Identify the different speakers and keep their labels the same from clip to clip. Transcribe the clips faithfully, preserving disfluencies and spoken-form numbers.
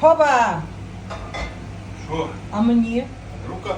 Speaker 1: Хоба!
Speaker 2: Що?
Speaker 1: А мені?
Speaker 2: Рука.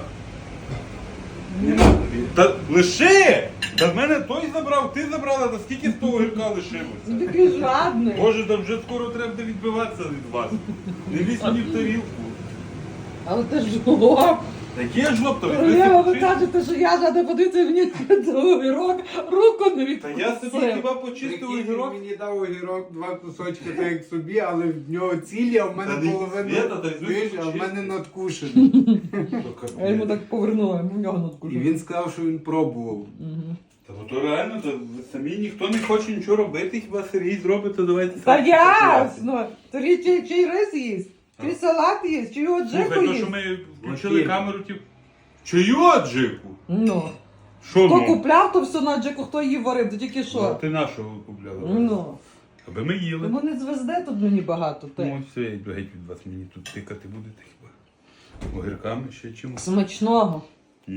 Speaker 2: Та лиши! Та в мене той забрав, ти забрала, та скільки з того гірка лишилося?
Speaker 1: Такий жадний.
Speaker 2: Боже, там вже скоро треба буде відбиватися від вас. Не лізь мені в тарілку.
Speaker 1: Але ти ж жлоб.
Speaker 2: Таке жлоб, то
Speaker 1: Королева, ви
Speaker 2: відбився.
Speaker 1: кажете, що я жадна, подивіться мені огірок, руку не
Speaker 2: Та я собі
Speaker 1: відпустив.
Speaker 2: хіба почистив
Speaker 3: Прикинь, він
Speaker 2: огірок.
Speaker 3: мені дав огірок, два кусочки, так як собі, але в нього цілі, а в
Speaker 2: Та
Speaker 3: мене
Speaker 2: не
Speaker 3: половина,
Speaker 2: Свята, та й
Speaker 3: знаєш, а в
Speaker 2: чисти.
Speaker 3: мене надкушений.
Speaker 1: Я йому так повернула, йому в нього
Speaker 3: І
Speaker 1: надкушив.
Speaker 3: він сказав, що він пробував.
Speaker 2: Та бо то реально, то ви самі ніхто не хоче нічого робити, хіба Сергій зробить, то давайте
Speaker 1: Та
Speaker 2: самі
Speaker 1: ясно! Торі чи, чи рис їсть, чи салат їсть, чи його джеку
Speaker 2: Слухай, то
Speaker 1: їсть.
Speaker 2: що ми включили
Speaker 3: Окей.
Speaker 2: камеру, ті... Чию аджику?
Speaker 1: Ну.
Speaker 2: Що
Speaker 1: Хто
Speaker 2: ну?
Speaker 1: купляв, то все на джеку, хто її варив, то тільки
Speaker 2: А
Speaker 1: що.
Speaker 2: ти нашого купляла?
Speaker 1: Ну.
Speaker 2: Аби ми їли.
Speaker 1: Тому не звезде тут мені багато.
Speaker 2: Ну,
Speaker 1: Ти.
Speaker 2: все, я йду геть від вас, мені тут тикати будете хіба. Огірками ще чимось.
Speaker 1: Смачного.
Speaker 2: Угу.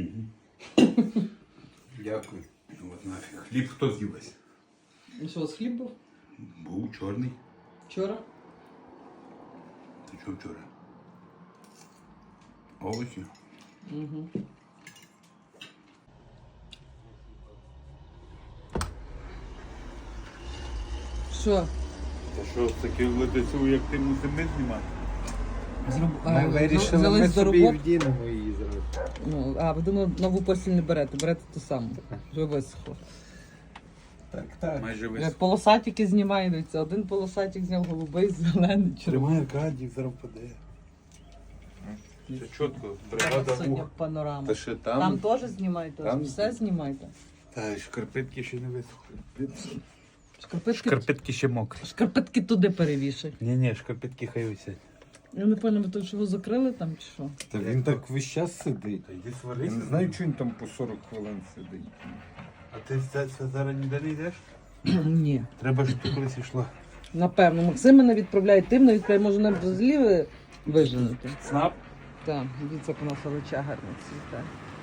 Speaker 3: Дякую.
Speaker 2: От нафіг. Хліб хто з'їлась?
Speaker 1: І що, у вас хліб був?
Speaker 2: Був чорний.
Speaker 1: Вчора?
Speaker 2: Ти що вчора? Овочі.
Speaker 1: Угу. Що?
Speaker 2: Та що, таке летецю, як ти мусимо знімати?
Speaker 1: Зроб...
Speaker 3: Ми вирішили,
Speaker 1: взялись
Speaker 3: ми
Speaker 1: до
Speaker 3: собі
Speaker 1: роботи.
Speaker 3: вдінемо її зразу.
Speaker 1: Ну, а, ви думали, нову постіль не берете, берете ту саму. Вже висохло.
Speaker 3: Так, так.
Speaker 2: Майже
Speaker 1: Як
Speaker 2: весь.
Speaker 1: полосатики знімає, дивіться, один полосатик зняв голубий, зелений, червоний.
Speaker 3: Аркадій, зараз паде.
Speaker 2: Це чітко, бригада
Speaker 1: Сьогодні
Speaker 2: мух.
Speaker 1: панорама.
Speaker 3: Та ще
Speaker 1: Там,
Speaker 3: там.
Speaker 1: теж знімайте,
Speaker 3: там-
Speaker 1: все знімайте.
Speaker 2: Та шкарпетки ще не висохли.
Speaker 1: Шкарпетки,
Speaker 2: Шкарпетки ще мокрі.
Speaker 1: шкарпетки туди перевішай.
Speaker 2: Ні, ні, шкарпетки хай висять.
Speaker 1: Я не пам'ятаю, ви то, що ви закрили там чи що?
Speaker 3: Та він так весь час сидить.
Speaker 2: Та йди
Speaker 3: Я
Speaker 2: сварися.
Speaker 3: не знаю, чого він там по сорок хвилин сидить.
Speaker 2: А ти це, це зараз ніде не йдеш?
Speaker 1: Ні.
Speaker 2: Треба, щоб ти колись йшла.
Speaker 1: Напевно, Максим мене відправляє, тим не відправляє, може нам взагалі ви виженете.
Speaker 2: Снап?
Speaker 1: Так, дивіться, як у нас олеча гарно цвіте.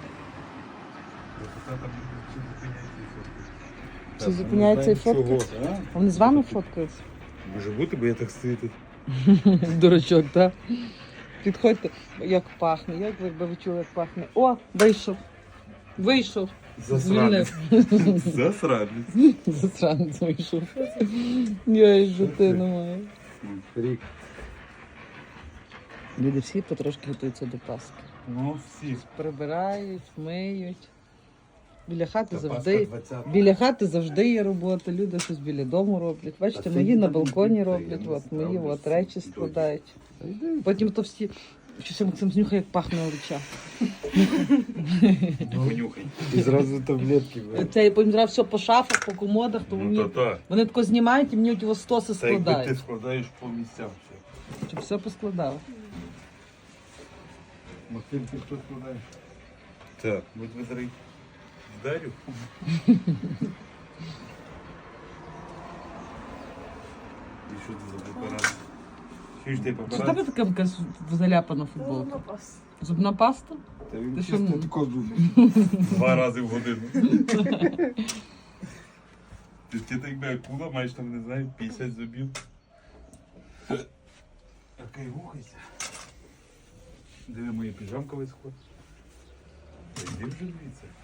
Speaker 1: Чи зупиняється і фотки? А вони з вами фоткаються?
Speaker 2: Може бути, бо я так стою тут.
Speaker 1: Дурачок, так? Підходьте, як пахне, як ви якби ви чули, як пахне. О, вийшов. Вийшов.
Speaker 2: Засранець.
Speaker 1: Звільнив.
Speaker 2: Засранець.
Speaker 1: Засранець вийшов. Я і житину маю.
Speaker 3: Рік.
Speaker 1: Люди всі потрошки готуються до Пасхи.
Speaker 2: Ну, всі.
Speaker 1: Прибирають, миють. Біля хати
Speaker 3: Та
Speaker 1: завжди.
Speaker 3: Пасха двадцята.
Speaker 1: Біля хати завжди є робота, люди щось біля дому роблять. Бачите,
Speaker 3: Та
Speaker 1: мої
Speaker 3: це
Speaker 1: на
Speaker 3: ні,
Speaker 1: балконі
Speaker 3: ні,
Speaker 1: роблять,
Speaker 3: я не
Speaker 1: от мої
Speaker 3: ставлю
Speaker 1: от речі
Speaker 3: всі
Speaker 1: складають. Потім то всі. Щось Максим знюхає, як пахне олеча.
Speaker 2: Понюхай.
Speaker 3: І зразу таблетки бере.
Speaker 1: Це я потім зразу все по шафах, по комодах, то
Speaker 2: Ну,
Speaker 1: мені,
Speaker 2: то так.
Speaker 1: вони тако знімають і мені ті стоси
Speaker 2: Та якби ти
Speaker 1: складають.
Speaker 2: складаєш по місцям все.
Speaker 1: Щоб все поскладали.
Speaker 2: Максим, ти хто складаєш? Так, будь ви зараз вдарю. І що це за препарат? Що ж ти
Speaker 1: Чи в
Speaker 2: препарат?
Speaker 1: тебе така якась заляпана футболка? Зубна паста?
Speaker 3: Та він
Speaker 1: Ти що,
Speaker 3: чисто
Speaker 1: ну?
Speaker 3: тако зуби.
Speaker 2: Два рази в годину. Ти, ти так би акула, маєш там, не знаю, п'ятдесят зубів. Окей, рухайся. Диви, моя піжамка висохла. Та йди вже звідси.